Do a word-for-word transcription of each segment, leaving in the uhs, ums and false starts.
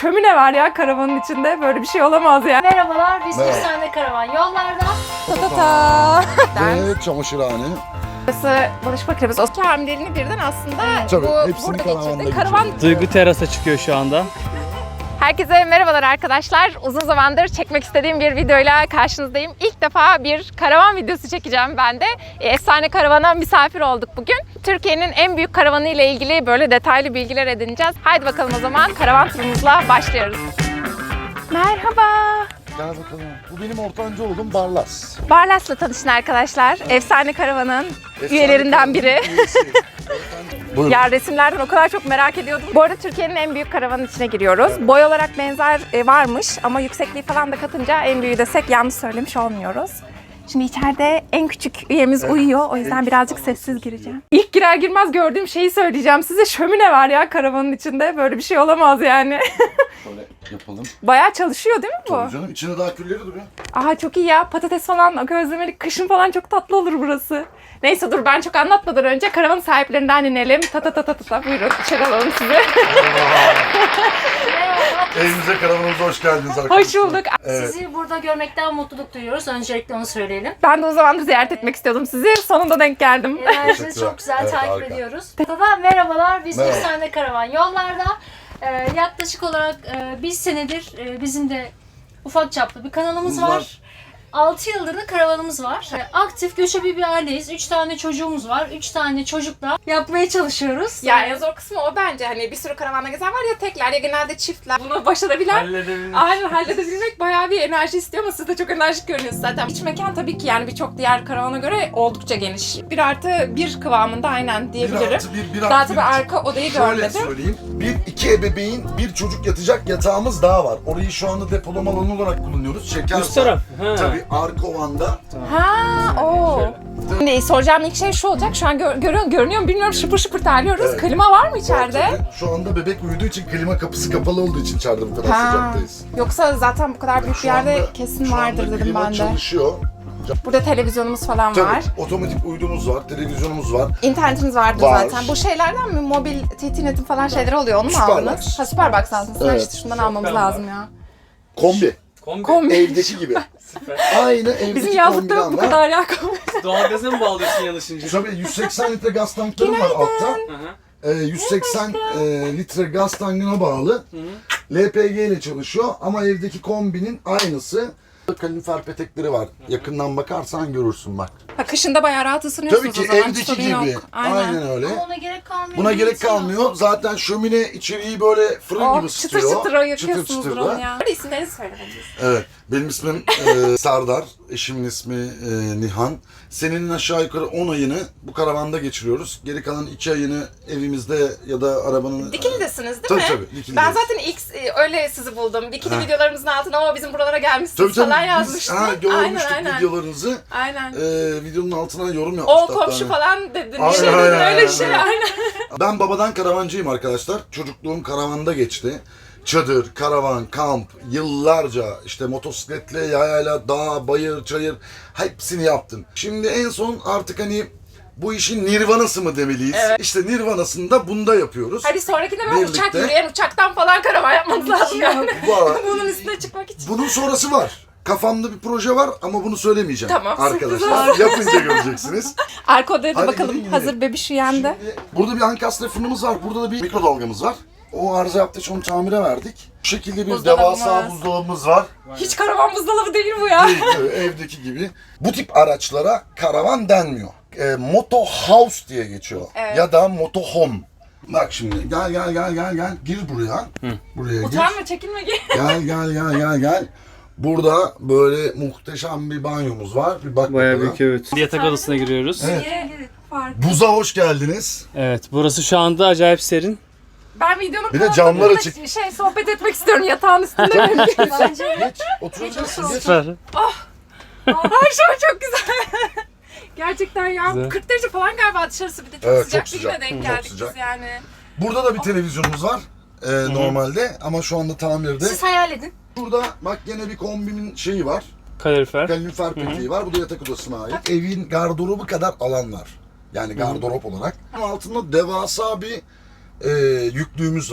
Şömine var ya karavanın içinde. Böyle bir şey olamaz ya. Merhabalar, biz Merhaba. Efsane Karavan yollarda. Ta ta ta. Ve çamaşırhane. Burası bulaşık makinemiz. O iki hamileliğini birden aslında Tabii, bu hepsini burada karavanda geçirdi. Karavan. Duygu terasa çıkıyor şu anda. Herkese merhabalar arkadaşlar. Uzun zamandır çekmek istediğim bir videoyla karşınızdayım. İlk defa bir karavan videosu çekeceğim ben de. Efsane Karavan'a misafir olduk bugün. Türkiye'nin en büyük karavanı ile ilgili böyle detaylı bilgiler edineceğiz. Haydi bakalım o zaman karavan turumuzla başlıyoruz. Merhaba. Gel bakalım. Bu benim ortanca oğlum Barlas. Barlas'la tanışın arkadaşlar. Efsane Karavan'ın Efsane üyelerinden biri. karavanın üyesi. Buyurun. Ya resimlerden o kadar çok merak ediyordum. Bu arada Türkiye'nin en büyük karavanın içine giriyoruz. Boy olarak benzer e, varmış ama yüksekliği falan da katınca en büyüğü desek yanlış söylemiş olmuyoruz. Şimdi içeride en küçük üyemiz uyuyor. O yüzden birazcık sessiz gireceğim. İlk girer girmez gördüğüm şeyi söyleyeceğim size. Şömine var ya karavanın içinde. Böyle bir şey olamaz yani. Şöyle yapalım. Bayağı çalışıyor değil mi bu? Tabii canım, içinde daha külleri duruyor. Aha çok iyi ya. Patates falan közlemelik. Kışın falan çok tatlı olur burası. Neyse dur ben çok anlatmadan önce karavan sahiplerinden inelim. Ta ta ta ta ta ta. Buyurun içeri alalım sizi. Evimize, karavanımıza hoş geldiniz arkadaşlar. Hoş bulduk. Evet. Sizi burada görmekten mutluluk duyuyoruz. Öncelikle onu söyleyelim. Ben de o zamandır ziyaret etmek istiyordum sizi. Sonunda denk geldim. Enerjinizi Teşekkürler. çok güzel Evet, takip harika. ediyoruz. Baba merhabalar, biz Merhaba. Efsane Karavan yollarda. Ee, yaklaşık olarak e, bir senedir e, bizim de ufak çaplı bir kanalımız Var. var. altı yıldır da karavanımız var. Ee, Aktif göçebe bir aileyiz. üç tane çocuğumuz var. üç tane çocukla yapmaya çalışıyoruz. Ya en zor kısmı o bence. Hani bir sürü karavanda gezen var ya tekler ya genelde çiftler. Bunu başarabilen Halledebiliriz. aynen halledebilmek bayağı bir enerji istiyor ama siz de çok enerjik görünüyorsunuz zaten. İç mekan tabii ki yani birçok diğer karavana göre oldukça geniş. Bir artı bir kıvamında aynen Bir diyebilirim. artı bir, bir Daha artı tabii bir. arka odayı Şöyle görmedim. söyleyeyim. Bir, iki ebeveyn, bir çocuk yatacak yatağımız daha var. Orayı şu anda depolama alanı olarak kullanıyoruz. Şeker Üst taraf. Ha. Tabii arka ovanda. Ha, o. Şimdi soracağım ilk şey şu olacak. Şu an gör, görüyor, görünüyor mu bilmiyorum. Şıpır şıpır terliyoruz. Evet. Klima var mı içeride? Tabii, şu anda bebek uyuduğu için klima kapısı kapalı olduğu için içeride bu kadar Ha. sıcaktayız. Yoksa zaten bu kadar büyük bir Şu yerde anda- kesin şu anda vardır dedim klima ben de. çalışıyor. Burada televizyonumuz falan Tabii var. otomatik uydumuz var, televizyonumuz var. İnternetiniz vardır Var. zaten. Bu şeylerden mi? Mobil T T Net'in falan şeyleri oluyor. Onu mu Süperbox. aldınız? Ha Superbox aldınız. Evet. İşte şundan almamız lazım ya. Kombi. Kombi. Kombi. Evdeki gibi. Aynı evdeki Bizim yazlıkta yok bu kombiden var. kadar ya kombi. Doğalgaza mı bağlıyorsun yanlışınca? Tabii yüz seksen litre gaz tankları var altta. Hı hı. Ee, yüz seksen e, litre gaz tankına bağlı. L P G ile çalışıyor ama evdeki kombinin aynısı. Kalorifer petekleri var. Yakından bakarsan görürsün bak. Ha, kışında bayağı rahat ısınıyorsunuz Tabii ki o zaman. evdeki Sorun gibi. yok. Aynen. Aynen. öyle. Ama ona gerek kalmıyor. Buna gerek Bilgisayar. kalmıyor. Zaten şömine içeriği böyle fırın Oh, gibi çıtır ısıtıyor. çıtır o yakıyorsunuzdur çıtır onu da. ya. Hadi isimlerinizi söylemeniz. Evet. Benim ismim e, Serdar. Eşimin ismi e, Nihan. Senenin aşağı yukarı on ayını bu karavanda geçiriyoruz. Geri kalan iki ayını evimizde ya da arabanın... Dikili'desiniz değil Tabii mi? tabii, Dikili'deyiz. Ben zaten ilk e, öyle sizi buldum. Dikili Ha. videolarımızın altına ama bizim buralara gelmişsiniz Tabii tabii. falan Biz yazmıştım. ha, görmüştük aynen, aynen. videolarınızı. Aynen. E, videonun altına yorum O yapmışlar. komşu Yani. falan dedin. Aynen, Bir şey dedin aynen, öyle bir şey. aynen. Aynen. Ben babadan karavancıyım arkadaşlar. Çocukluğum karavanda geçti. Çadır, karavan, kamp, yıllarca işte motosikletle, yayayla, dağ, bayır, çayır hepsini yaptım. Şimdi en son artık hani bu işin nirvanası mı demeliyiz? Evet. İşte nirvanasını da bunda yapıyoruz. Hadi sonrakinde böyle Birlikte. uçak yürüyen uçaktan falan karavan yapmanız lazım yani. Var. Bunun üstüne çıkmak için. Bunun sonrası var. Kafamda bir proje var ama bunu söylemeyeceğim Tamam, sürpriz arkadaşlar. olsun. Yapınca göreceksiniz. Arka odaya da Hadi bakalım. gidelim, Hazır gidelim. bebiş uyandı. Şimdi burada bir ankastre fırınımız var. Burada da bir mikrodalgamız var. O arıza yaptığı için onu tamire verdik. Bu şekilde bir Buzdolabımız. devasa buzdolabımız var. Hiç karavan buzdolabı değil bu ya. Değil, evet, evdeki gibi. Bu tip araçlara karavan denmiyor. E, moto house diye geçiyor. Evet. Ya da moto home. Bak şimdi gel gel gel gel gel gir buraya. Buraya gir. Utanma çekinme gel. Gel gel gel gel gel. Burada böyle muhteşem bir banyomuz var. Bir bak Bayağı bakalım. büyük evet. Yatak odasına giriyoruz. Evet. Evet. Buza hoş geldiniz. Evet, burası şu anda acayip serin. Ben videonun Bir de kanalında camlar burada açık. Şey sohbet etmek istiyorum yatağın üstünde mümkünse. Bence Geç oturabilirsin. Geç. Süper. Her şey çok güzel. Gerçekten ya. Güzel. kırk derece falan galiba dışarısı bir de çok Evet, sıcak çok bir sıcak. güne denk Çok geldik sıcak. biz yani. Burada da bir televizyonumuz var. e, normalde ama şu anda tamirde. siz hayal edin. Burada bak gene bir kombinin şeyi var. Kalorifer. Kalorifer peteği var. Bu da yatak odasına ait. Evin gardırobu kadar alan var. Yani gardırop olarak. Altında devasa bir e, yüklüğümüz var.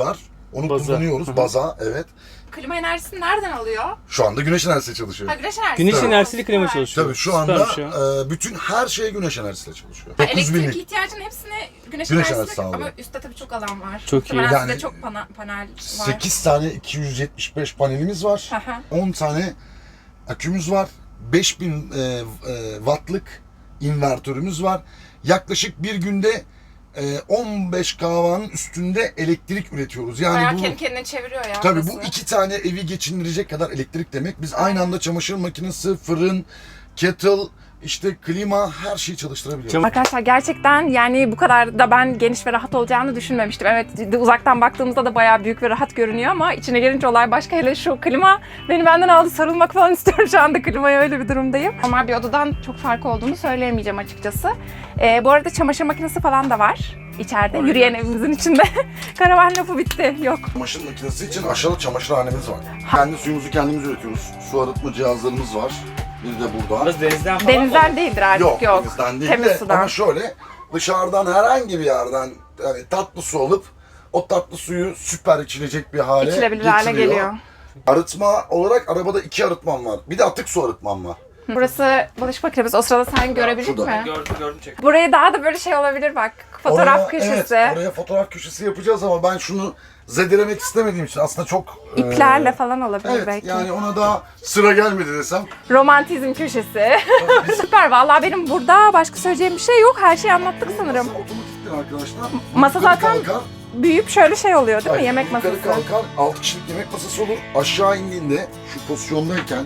Onu Baza. kullanıyoruz. Baza, evet. Klima enerjisini nereden alıyor? Şu anda güneş enerjisiyle çalışıyor. Ha, güneş enerjisi. Güneş Tabii. enerjisiyle klima çalışıyor. Tabii şu Süpermiş anda ya. e, bütün her şey güneş enerjisiyle çalışıyor. Ha, dokuz elektrik binlik. ihtiyacının hepsini güneş, Güneş enerjisi enerjisi sağlıyor. ama üstte tabii çok alan var. Çok iyi. Muhtemelen Yani sizde çok pana- panel var. sekiz tane iki yüz yetmiş beş panelimiz var. Aha. on tane akümüz var. beş bin e, e, wattlık invertörümüz var. Yaklaşık bir günde e, on beş karavanın üstünde elektrik üretiyoruz. Yani Bayağı bu kendi kendine çeviriyor ya. tabii bu burası. iki tane evi geçindirecek kadar elektrik demek. Biz aynı anda çamaşır makinesi, fırın, kettle, işte klima her şeyi çalıştırabiliyoruz. Çam- Arkadaşlar gerçekten yani bu kadar da ben geniş ve rahat olacağını düşünmemiştim. Evet uzaktan baktığımızda da bayağı büyük ve rahat görünüyor ama içine gelince olay başka. Hele şu klima beni benden aldı, sarılmak falan istiyorum şu anda klimaya, öyle bir durumdayım. Normal bir odadan çok fark olduğunu söyleyemeyeceğim açıkçası. Ee, bu arada çamaşır makinesi falan da var içeride. Yürüyen evimizin içinde. Karavan lafı bitti. Yok. Çamaşır makinesi için aşağıda çamaşırhanemiz var. Kendi suyumuzu kendimiz üretiyoruz. Su arıtma cihazlarımız var. Bir de burada. Burası denizden falan mı? Denizden değildir artık, yok. Yok, denizden değil Temiz de sudan. ama şöyle dışarıdan herhangi bir yerden yani tatlı su alıp o tatlı suyu süper içilecek bir hale İçilebilir hale getiriyor. geliyor. Arıtma olarak arabada iki arıtmam var. Bir de atık su arıtmam var. Burası bulaşık makinemiz. O sırada sen görebildin şurada. mi? Gördüm gördüm çek. Buraya daha da böyle şey olabilir bak. Fotoğraf Oraya- köşesi. Evet, oraya fotoğraf köşesi yapacağız ama ben şunu zedelemek istemediğim için aslında çok... İplerle e, falan olabilir Evet, belki. yani ona daha sıra gelmedi desem. Romantizm köşesi. Süper. Vallahi benim burada başka söyleyeceğim bir şey yok. Her şeyi anlattık sanırım. Masa otomatiktir arkadaşlar. Masa Yukarı zaten kalkar. büyüyüp şöyle şey oluyor değil mi? Hayır, Yemek masası. Yukarı kalkar, altı kişilik yemek masası olur. Aşağı indiğinde şu pozisyondayken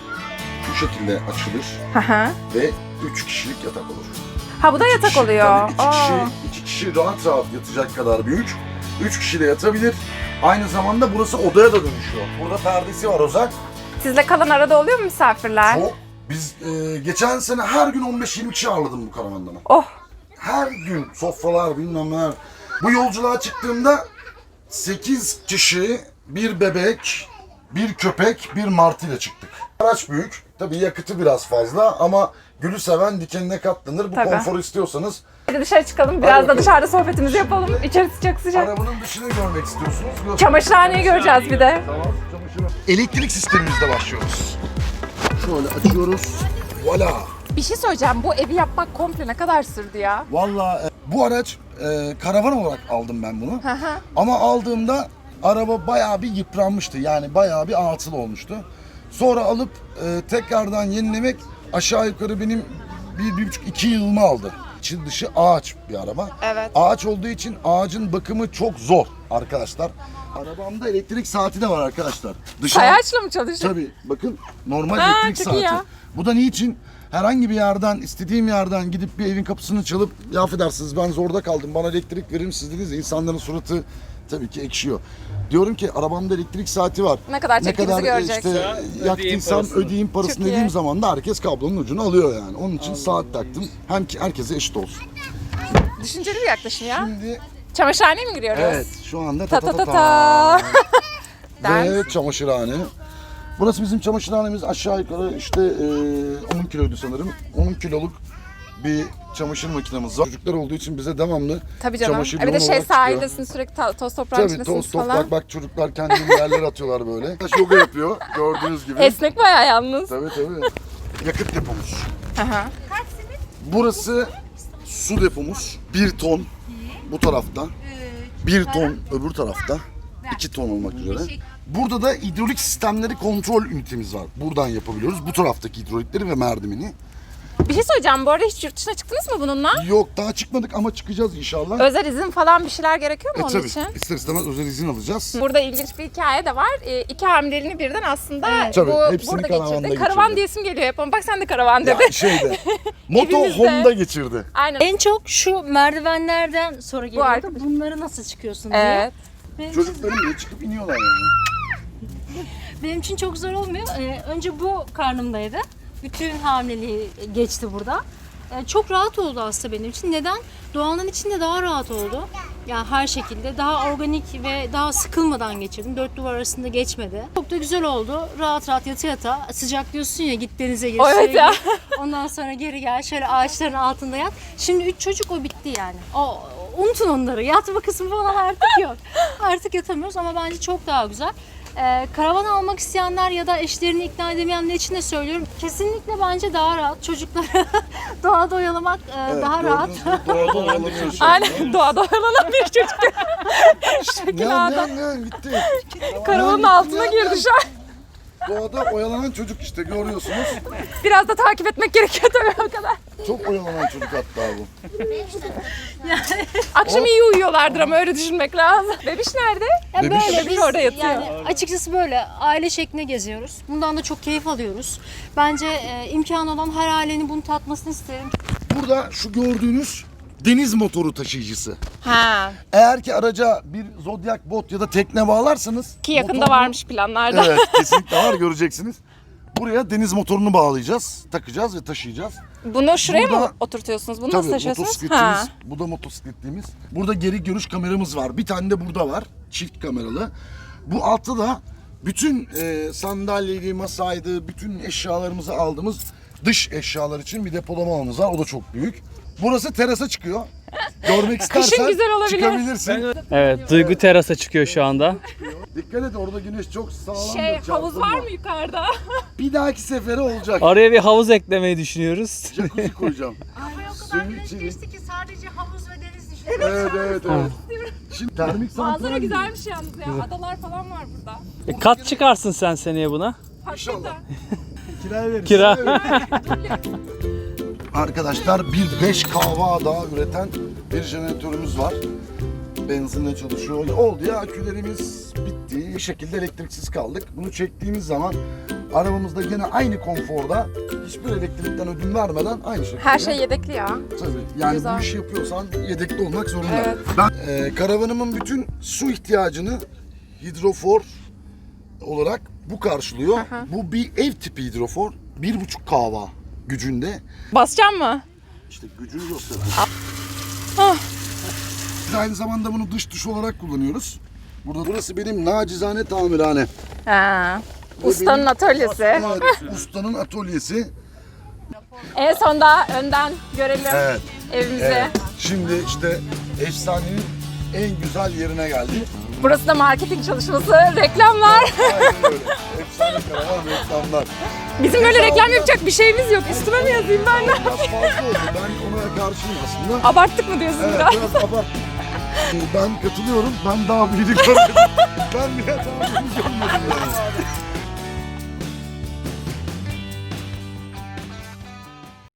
şu şekilde açılır Hı hı. ve üç kişilik yatak olur. Ha bu da İki yatak kişi, oluyor. Tabii iki Aa. kişi, iki kişi rahat rahat yatacak kadar büyük. Üç kişi de yatabilir. Aynı zamanda burası odaya da dönüşüyor. Burada perdesi var Ozan. Sizle kalan arada oluyor mu misafirler? Çok. Biz e, geçen sene her gün on beş yirmi kişi ağırladım bu karavanda ben. Oh. Her gün sofralar bilmem neler. Bu yolculuğa çıktığımda sekiz kişi, bir bebek, bir köpek, bir martıyla çıktık. Araç büyük. Tabii yakıtı biraz fazla ama gülü seven dikenine katlanır. Bu Tabii. konforu istiyorsanız Hadi dışarı çıkalım. Biraz da bakalım. dışarıda sohbetimizi yapalım. İçerisi çok sıcak. arabanın dışını görmek istiyorsunuz. Göster- Çamaşırhaneyi göreceğiz bir de. Tamam, çamaşırı. Elektrik sistemimizde başlıyoruz. Şöyle açıyoruz. Voila. Bir şey söyleyeceğim. Bu evi yapmak komple ne kadar sürdü ya? Vallahi e, bu araç e, karavan olarak aldım ben bunu. Hı hı. Ama aldığımda araba bayağı bir yıpranmıştı. Yani bayağı bir atıl olmuştu. Sonra alıp e, tekrardan yenilemek aşağı yukarı benim bir, bir buçuk iki yılımı aldı. İçi dışı ağaç bir araba. Evet. Ağaç olduğu için ağacın bakımı çok zor arkadaşlar. Arabamda elektrik saati de var arkadaşlar. Dışarı... Sayaçla mı çalışıyor? Tabii bakın normal Ha, elektrik çok iyi saati. ya. Bu da niçin? Herhangi bir yerden, istediğim yerden gidip bir evin kapısını çalıp ya affedersiniz ben zorda kaldım bana elektrik verir misiniz dediniz ya, insanların suratı tabii ki ekşiyor. Diyorum ki arabamda elektrik saati var. Ne kadar Ne çektiğimizi kadar e, görecek. işte Ödeyin yaktıysam parasını. ödeyeyim parasını Çok iyi. dediğim zaman da herkes kablonun ucunu alıyor yani. Onun için saat taktım. Hem ki herkese eşit olsun. Düşünceli bir yaklaşım ya. Şimdi Çamaşırhaneye mi giriyoruz? evet şu anda Ta ta ta ta ta ta. ta. Ve çamaşırhane. Burası bizim çamaşırhanemiz. Aşağı yukarı işte e, on kiloydu sanırım. on kiloluk bir çamaşır makinemiz var. Çocuklar olduğu için bize devamlı Tabii canım. çamaşır E bir de yoğun şey olarak çıkıyor. sahildesin sürekli ta- toz toprağın Tabii içindesiniz toz falan. toprak bak çocuklar kendini yerler atıyorlar böyle. Yoga yapıyor gördüğünüz gibi. Esnek bayağı yalnız. Tabii tabii. Yakıt depomuz. Aha. Burası su depomuz. Bir ton bu tarafta. Bir ton öbür tarafta. iki ton olmak üzere. Burada da hidrolik sistemleri kontrol ünitemiz var. Buradan yapabiliyoruz. Bu taraftaki hidrolikleri ve merdiveni. Bir şey söyleyeceğim. Bu arada hiç yurt dışına çıktınız mı bununla? Yok daha çıkmadık ama çıkacağız inşallah. Özel izin falan bir şeyler gerekiyor mu E onun tabii için? ister istemez özel izin alacağız. Burada ilginç bir hikaye de var. E, iki hamileliğini birden aslında Tabii, bu hepsini burada karavanda geçirdi. geçirdi. Karavan diyesim geliyor hep ama bak sen de karavan dedi. Ya şeyde. Moto Evimizde. Honda geçirdi. Aynen. En çok şu merdivenlerden sonra geliyordu. arkadaş. Bunları nasıl çıkıyorsun diye. Evet. Benim için, Çocukların bile çıkıp iniyorlar yani. benim için çok zor olmuyor. Ee, önce bu karnımdaydı. Bütün hamileliği geçti burada. Ee, çok rahat oldu aslında benim için. Neden? Doğanın içinde daha rahat oldu. Yani her şekilde daha organik ve daha sıkılmadan geçirdim. Dört duvar arasında geçmedi. Çok da güzel oldu. Rahat rahat yata yata. Sıcak diyorsun ya git denize gir. O evet suya ya. gir. Ondan sonra geri gel. Şöyle ağaçların altında yat. Şimdi üç çocuk o bitti yani. O unutun onları. Yatma kısmı falan artık yok. Artık yatamıyoruz ama bence çok daha güzel. Ee, karavan almak isteyenler ya da eşlerini ikna edemeyenler için de söylüyorum. Kesinlikle bence daha rahat. Çocukları doğada oyalamak e, daha rahat. Doğada oyalanıyor şu an. Aynen doğada oyalanan bir çocuk. Şekil Ne adam. ne ne bitti. Karavanın Ne, altına ne, girdi ne? şu an. Doğada oyalanan çocuk işte görüyorsunuz. Biraz da takip etmek gerekiyor tabii o kadar. Çok oyalanan çocuk hatta bu. Akşam iyi uyuyorlardır ama öyle düşünmek lazım. Bebiş nerede? Ya Bebiş- böyle Bebiş biz orada yatıyor. yani açıkçası böyle aile şeklinde geziyoruz. Bundan da çok keyif alıyoruz. Bence e, imkanı olan her ailenin bunu tatmasını isterim. Burada şu gördüğünüz deniz motoru taşıyıcısı. Ha. Eğer ki araca bir Zodiac bot ya da tekne bağlarsanız Ki yakında motorunu- varmış planlarda. Evet kesinlikle var göreceksiniz. Buraya deniz motorunu bağlayacağız, takacağız ve taşıyacağız. Bunu şuraya Burada- mı oturtuyorsunuz? Bunu nasıl Tabii taşıyorsunuz? motosikletimiz, bu da motosikletliğimiz. Burada geri görüş kameramız var. Bir tane de burada var, çift kameralı. Bu altta da bütün e, sandalyeydi, masaydı, bütün eşyalarımızı aldığımız dış eşyalar için bir depolama alanımız var. O da çok büyük. Burası terasa çıkıyor. Görmek istersen güzel olabilir. çıkabilirsin. Evet, Duygu terasa çıkıyor şu anda. Dikkat et orada güneş çok sağlam. Şey, havuz var mı yukarıda? Bir dahaki sefere olacak. Oraya bir havuz eklemeyi düşünüyoruz. Jacuzzi koyacağım. Suyun içini. ki sadece havuz ve deniz düşün. Evet evet evet. Şimdi termik Manzara santral güzelmiş yalnız ya. Adalar falan var burada. E, kat çıkarsın sen seneye buna. İnşallah. Kiraya veririz. Kira. Arkadaşlar bir beş kahva daha üreten bir jeneratörümüz var. Benzinle çalışıyor. Oldu ya akülerimiz bitti. Bir şekilde elektriksiz kaldık. Bunu çektiğimiz zaman arabamızda gene aynı konforda hiçbir elektrikten ödün vermeden aynı şekilde. Her şey yedekli ya. Tabii. Yani Güzel. bu işi yapıyorsan yedekli olmak zorunda. Evet. Ben e, karavanımın bütün su ihtiyacını hidrofor olarak bu karşılıyor. Bu bir ev tipi hidrofor. Bir buçuk kahva gücünde. Basacağım mı? İşte gücünü gösteriyor. Ah. Biz aynı zamanda bunu dış duş olarak kullanıyoruz. Burada burası benim nacizane tamirhane. Ha. Bu Ustanın benim- atölyesi. Evet, ustanın atölyesi. En sonda önden görelim Evet. evimizi. Evet. Şimdi işte efsanenin en güzel yerine geldik. Burası da marketing çalışması, reklamlar. Aynen öyle. Efsane karavan reklamlar. Bizim böyle reklam yapacak bir şeyimiz yok. Üstüme mi yazayım ben de? Biraz fazla oldu. Ben ona karşıyım aslında. Abarttık mı diyorsun Evet biraz? biraz abarttım. Ben katılıyorum. Ben daha büyüdük görmedim. Ben bile daha büyüdük görmedim yani.